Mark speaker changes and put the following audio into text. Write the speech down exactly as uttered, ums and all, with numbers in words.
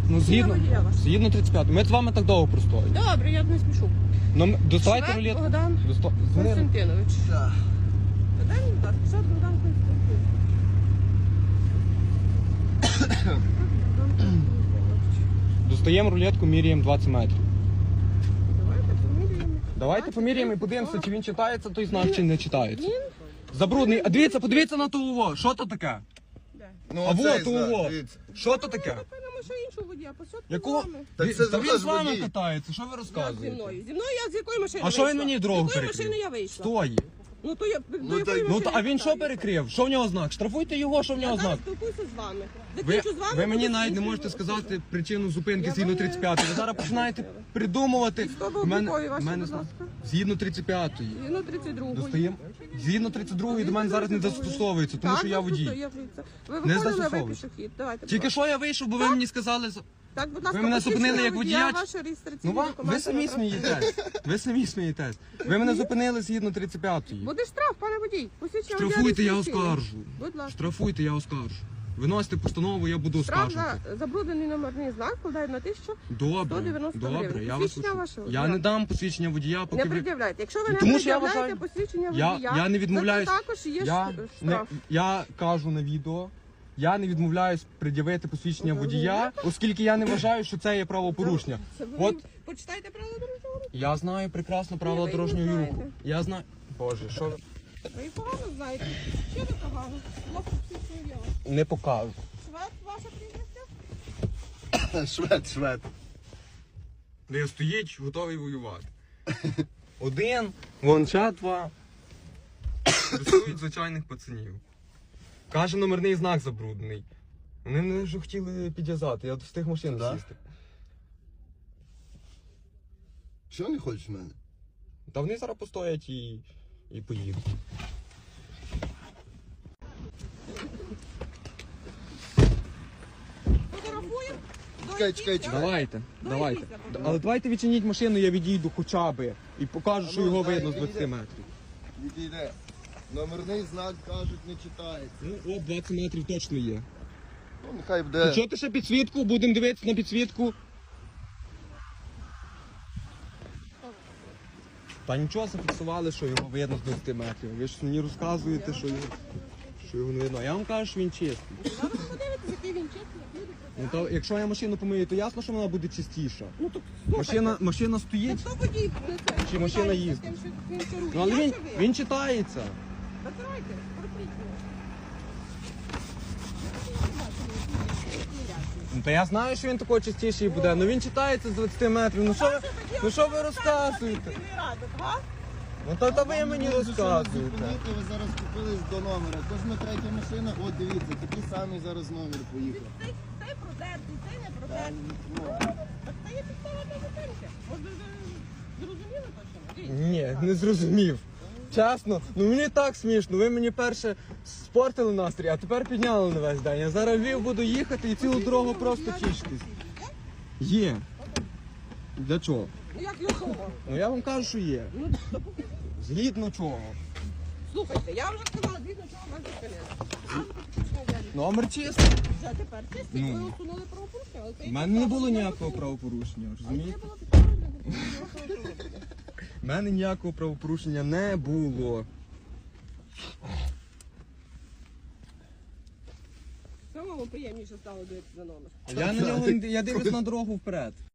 Speaker 1: Ну, згідно,
Speaker 2: водія вашого.
Speaker 1: згідно тридцять п'ять. Ми з вами так довго простоїмо.
Speaker 2: Добре, я не спішу.
Speaker 1: Ну, м- доставайте
Speaker 2: Швед
Speaker 1: рулетку.
Speaker 2: Богдан
Speaker 1: Досто... Дзвони.
Speaker 2: Константинович.
Speaker 3: Так.
Speaker 2: Подай мені, будь ласка, Швед Богдан Константинович. Богдан Константинович.
Speaker 1: Достаємо рулетку, міряємо двадцять метрів.
Speaker 2: Давайте поміряємо.
Speaker 1: Давайте поміряємо і подивимося, чи він читається той знак, чи не читається.
Speaker 2: Він?
Speaker 1: Забрудний. А дивіться, подивіться на того. Що то таке?
Speaker 2: Де?
Speaker 3: Ну,
Speaker 1: А
Speaker 3: оцей
Speaker 1: вот
Speaker 3: знак,
Speaker 1: того.
Speaker 3: дивіться.
Speaker 1: Що то таке?
Speaker 2: Напевно, що іншого водія. Посадку
Speaker 1: Якого?
Speaker 2: з вами.
Speaker 3: Так
Speaker 1: Він-
Speaker 3: це
Speaker 1: Та
Speaker 3: ж
Speaker 1: він з вами
Speaker 3: водій.
Speaker 1: катається, що ви
Speaker 2: Як зі
Speaker 1: розказуєте?
Speaker 2: мною? Зі мною я з якої машини
Speaker 1: А що він
Speaker 2: вийшла?
Speaker 1: мені дорогу
Speaker 2: З якої
Speaker 1: перекрив?
Speaker 2: машини я вийшла?
Speaker 1: Стої.
Speaker 2: Ну, то я, до
Speaker 3: Ну,
Speaker 2: якої
Speaker 3: так-
Speaker 2: машини
Speaker 1: Ну, то, а він що
Speaker 2: катаюся?
Speaker 1: перекрив? Що в нього знак? Штрафуйте його, що в
Speaker 2: Я
Speaker 1: нього
Speaker 2: зараз
Speaker 1: знак?
Speaker 2: спілкуюся з вами.
Speaker 1: Ви,
Speaker 2: Закінчу з вами.
Speaker 1: ви мені
Speaker 2: буду
Speaker 1: навіть не
Speaker 2: іншою
Speaker 1: можете
Speaker 2: особою.
Speaker 1: сказати причину зупинки
Speaker 2: Я
Speaker 1: згідно
Speaker 2: вам не-
Speaker 1: тридцять п'ятої. Ви зараз починаєте придумувати.
Speaker 2: Військово
Speaker 1: В мене-
Speaker 2: облікові
Speaker 1: в
Speaker 2: ваші,
Speaker 1: мене
Speaker 2: будь
Speaker 1: зна-
Speaker 2: ласка.
Speaker 1: Згідно тридцять п'ятої.
Speaker 2: Згідно тридцять другої.
Speaker 1: Достаємо. Згідно тридцять другої до мене зараз не застосовується, тому що я водій.
Speaker 2: Ви
Speaker 1: Не
Speaker 2: виходили, ви
Speaker 1: застосовується.
Speaker 2: пішохід. Давайте, будь
Speaker 1: Тільки
Speaker 2: ласка.
Speaker 1: що я вийшов, бо ви мені сказали.
Speaker 2: Так, будь ласка,
Speaker 1: ви мене
Speaker 2: посвідчення
Speaker 1: зупинили як водія, чи-
Speaker 2: ваші
Speaker 1: Ну
Speaker 2: реєстраційні
Speaker 1: вам
Speaker 2: документи
Speaker 1: ви самі
Speaker 2: на транспорт.
Speaker 1: смієтесь. Ви самі смієтесь. Ви мене зупинили згідно тридцять п'ятої.
Speaker 2: Буде штраф, пане водій. Посвідчення водія
Speaker 1: Штрафуйте, я
Speaker 2: реєстраційне.
Speaker 1: оскаржу.
Speaker 2: Будь ласка.
Speaker 1: Штрафуйте, я оскаржу. Виносите постанову, я буду
Speaker 2: Штраф
Speaker 1: оскаржувати.
Speaker 2: за забруднений номерний знак складає на тисячу.
Speaker 1: Добре,
Speaker 2: сто дев'яносто
Speaker 1: добре,
Speaker 2: гривень.
Speaker 1: я вас
Speaker 2: Посвідчення
Speaker 1: слухаю.
Speaker 2: вашого
Speaker 1: Я
Speaker 2: водія.
Speaker 1: не дам посвідчення водія,
Speaker 2: Не
Speaker 1: поки ви...
Speaker 2: пред'являйте. Якщо ви не
Speaker 1: Тому що я
Speaker 2: пред'являєте
Speaker 1: вважаю-
Speaker 2: посвідчення
Speaker 1: Я,
Speaker 2: водія,
Speaker 1: я не відмовляюсь.
Speaker 2: то це також є
Speaker 1: я,
Speaker 2: ш-
Speaker 1: не,
Speaker 2: штраф.
Speaker 1: я кажу на відео, я не відмовляюсь пред'явити посвідчення
Speaker 2: Ви
Speaker 1: водія, оскільки я не вважаю, що це є правопорушення.
Speaker 2: Це ви
Speaker 1: От
Speaker 2: почитайте правила дорожнього руху.
Speaker 1: я знаю прекрасно правила
Speaker 2: ви їх не
Speaker 1: дорожнього руху.
Speaker 2: знаєте.
Speaker 1: Я знаю. Боже, що ви-
Speaker 2: Ви їх погано знаєте. Що ви погано? Хлопці посвідчення діла.
Speaker 1: не покажу.
Speaker 2: Швед, ваше прізвище?
Speaker 3: Швед, швед.
Speaker 1: Де стоїть, готовий воювати. Один, вон ще два. Рисують звичайних пацанів. Каже, номерний знак забруднений. Вони мене вже хотіли підв'язати, я встиг машину
Speaker 3: Да?
Speaker 1: сісти.
Speaker 3: Чого не хочеш в мене?
Speaker 1: Та вони зараз постоять і, і поїдуть.
Speaker 2: Фотографуємо?
Speaker 3: Чекай, чекай, чекай.
Speaker 1: Давайте, давайте.
Speaker 2: якісь я
Speaker 1: Але давайте відчиніть машину, я відійду хоча б. І покажу, що
Speaker 3: ну,
Speaker 1: його
Speaker 3: дай,
Speaker 1: видно з
Speaker 3: відійди.
Speaker 1: двадцяти метрів.
Speaker 3: Відійде. Номерний знак, кажуть, не читається.
Speaker 1: Ну, от двадцять метрів точно є.
Speaker 3: Ну, нехай буде.
Speaker 1: Що ти ще підсвітку? Будемо дивитися на підсвітку. Та нічого зафіксували, що його видно з двадцяти метрів. Ви ж мені розказуєте, що його, що його не видно. А я вам кажу, що він чистий.
Speaker 2: Зараз подивитися, який він чесний, як люди
Speaker 1: Ну, то, якщо я машину помию, то ясно, що вона буде чистіша.
Speaker 2: Ну так слухайте.
Speaker 1: Машина, машина стоїть,
Speaker 2: Хто водій несе?
Speaker 1: Чи машина
Speaker 2: Питається,
Speaker 1: їздить?
Speaker 2: з тим, що він керує.
Speaker 1: ну, але
Speaker 2: Я
Speaker 1: він,
Speaker 2: чи ви?
Speaker 1: він читається.
Speaker 2: Забирайте, протріть його.
Speaker 1: Ну, та я знаю, що він такий чистіший буде, але він читається з двадцяти метрів. Ну що ви, ну, що ви розказуєте? Ну то, то ви мені розказуєте.
Speaker 3: Зупинити, ви зараз купились до номера. Кожна третя машина, от дивіться, такий самий зараз номер поїхав.
Speaker 2: Цей, цей продертий, цей не
Speaker 3: Та,
Speaker 2: продертий.
Speaker 3: ну,
Speaker 2: Так це є підстава для зупинки. Може, ви зрозуміли точно?
Speaker 1: Ні, не зрозумів. Чесно, ну мені так смішно. Ви мені перше спортили настрій, а тепер підняли на весь день. Я зараз в Львів буду їхати і цілу дорогу просто тішитись. Є. Для чого?
Speaker 2: Ну як його?
Speaker 1: Ну я вам кажу, що є.
Speaker 2: Ну, то покажіть.
Speaker 1: Згідно чого?
Speaker 2: Слухайте, я вже сказала, звісно, чого вас зупинили.
Speaker 1: Номер чистий.
Speaker 2: Вже тепер чисті,
Speaker 1: Ну.
Speaker 2: ви усунули правопорушення, але це
Speaker 1: У мене не було ніякого правопорушення,
Speaker 2: Це
Speaker 1: розумієте?
Speaker 2: було підставою для зупинки.
Speaker 1: У мене ніякого правопорушення не було.
Speaker 2: Самому приємніше стало дивитися за номер.
Speaker 1: Я на нього я дивлюсь на дорогу вперед.